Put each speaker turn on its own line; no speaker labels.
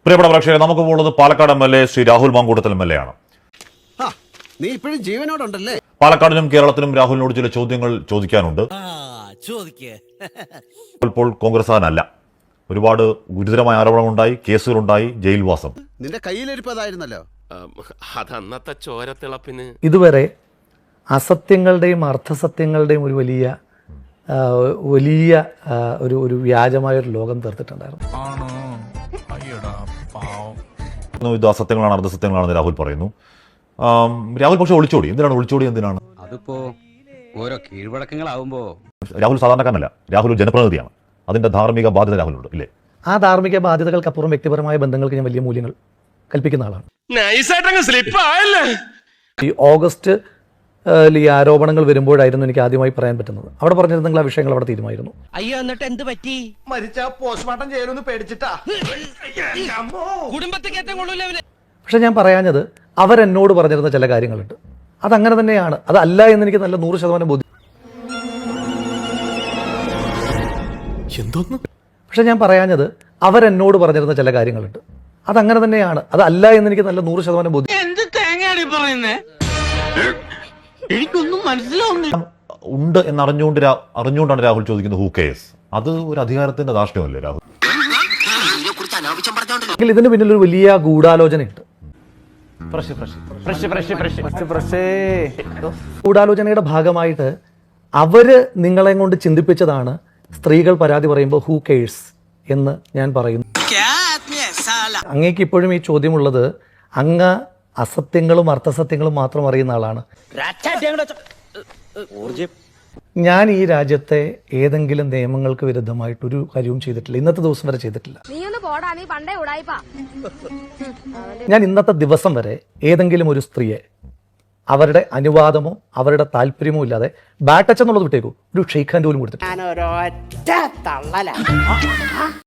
പ്രിയപ്പെട്ട പ്രേക്ഷകരെ, നമുക്ക് പോകുന്നത് പാലക്കാട് MLA ശ്രീ രാഹുൽ മാങ്കൂട്ടത്തിൽ MLA ആണ്.
നീ ഇപ്പോഴും ജീവനോടുണ്ടല്ലേ?
പാലക്കാടിനും കേരളത്തിനും രാഹുലിനോട് ചില ചോദ്യങ്ങൾ ചോദിക്കാനുണ്ട്. ഇപ്പോൾ കോൺഗ്രസ്സുകാരനല്ല, ഒരുപാട് ഗുരുതരമായ ആരോപണങ്ങളുണ്ടായി, കേസുകളുണ്ടായി, ജയിൽവാസം.
നിന്റെ കയ്യിലിരിപ്പതായിരുന്നല്ലോ.
അതന്നത്തെ ചോരത്തിളപ്പിന്
ഇതുവരെ അസത്യങ്ങളുടെയും അർത്ഥസത്യങ്ങളുടെയും ഒരു വലിയ ഒരു വ്യാജമായൊരു ലോകം തീർത്തിട്ടുണ്ടായിരുന്നു.
ഇത് അസത്യങ്ങളാണ്, അർദ്ധസത്യങ്ങളാണെന്ന് രാഹുൽ പറയുന്നു. രാഹുൽ പക്ഷെ ഒളിച്ചോടി. എന്തിനാണ്?
അതിപ്പോ ഓരോ കീഴ്വഴക്കങ്ങളാവുമ്പോ
രാഹുൽ സാധാരണക്കാരനല്ല, രാഹുൽ ഒരു ജനപ്രതിനിധിയാണ്. അതിന്റെ ധാർമ്മിക ബാധ്യത രാഹുലുണ്ട്, ഇല്ലേ? ആ
ധാർമ്മിക ബാധ്യതകൾക്കപ്പുറം വ്യക്തിപരമായ ബന്ധങ്ങൾക്ക് ഞാൻ വലിയ മൂല്യങ്ങൾ കൽപ്പിക്കുന്ന ആളാണ്. ഈ ഓഗസ്റ്റ് ഈ ആരോപണങ്ങൾ വരുമ്പോഴായിരുന്നു എനിക്ക് ആദ്യമായി പറയാൻ പറ്റുന്നത്. അവിടെ പറഞ്ഞിരുന്നെങ്കിൽ ആ വിഷയങ്ങൾ അവിടെ തീരുമായിരുന്നു.
അയ്യോ, എന്നിട്ട് എന്ത് പറ്റി?
മരിച്ച പോസ്റ്റ്മോർട്ടം ചെയ്യണമെന്ന് പേടിച്ചിട്ടാ.
പക്ഷെ ഞാൻ പറയാഞ്ഞത് അവരെന്നോട് പറഞ്ഞിരുന്ന ചില കാര്യങ്ങളുണ്ട്. അതങ്ങനെ തന്നെയാണ്, അതല്ല എന്ന് എനിക്ക് നല്ല 100% ബോധ്യം. പക്ഷെ ഞാൻ പറയാഞ്ഞത് അവരെന്നോട് പറഞ്ഞിരുന്ന ചില കാര്യങ്ങളുണ്ട്. അതങ്ങനെ തന്നെയാണ്, അതല്ല എന്ന് എനിക്ക് നല്ല 100% ബോധ്യം.
എനിക്കൊന്നും മനസ്സിലാവുന്നില്ല.
ഉണ്ട് എന്ന് അറിഞ്ഞുകൊണ്ടാണ് രാഹുൽ ചോദിക്കുന്നത് ഹൂ കേസ്. അത് ഒരു അധികാരത്തിന്റെ ധാർഷ്ട്യമല്ലേ രാഹുൽ?
ഇതിന് പിന്നിൽ ഒരു വലിയ ഗൂഢാലോചനയുണ്ട്. ഗൂഢാലോചനയുടെ ഭാഗമായിട്ട് അവര് നിങ്ങളെ കൊണ്ട് ചിന്തിപ്പിച്ചതാണ് സ്ത്രീകൾ പരാതി പറയുമ്പോൾ ഹൂ കേഴ്സ് എന്ന് ഞാൻ പറയുന്നു. അങ്ങേക്ക് ഇപ്പോഴും ഈ ചോദ്യമുള്ളത്, അങ്ങ് അസത്യങ്ങളും അർത്ഥസത്യങ്ങളും മാത്രം അറിയുന്ന ആളാണ്. ഞാൻ ഈ രാജ്യത്തെ ഏതെങ്കിലും നിയമങ്ങൾക്ക് വിരുദ്ധമായിട്ടൊരു കാര്യവും ചെയ്തിട്ടില്ല, ഇന്നത്തെ ദിവസം വരെ ചെയ്തിട്ടില്ല. ഞാൻ ഇന്നത്തെ ദിവസം വരെ ഏതെങ്കിലും ഒരു സ്ത്രീയെ അവരുടെ അനുവാദമോ അവരുടെ താല്പര്യമോ ഇല്ലാതെ ബാറ്റച്ച് എന്നുള്ളത് വിട്ടേക്കൂ, ഒരു ഷെയ്ഖ് ഹാൻഡ് പോലും കൊടുത്തിട്ടില്ല.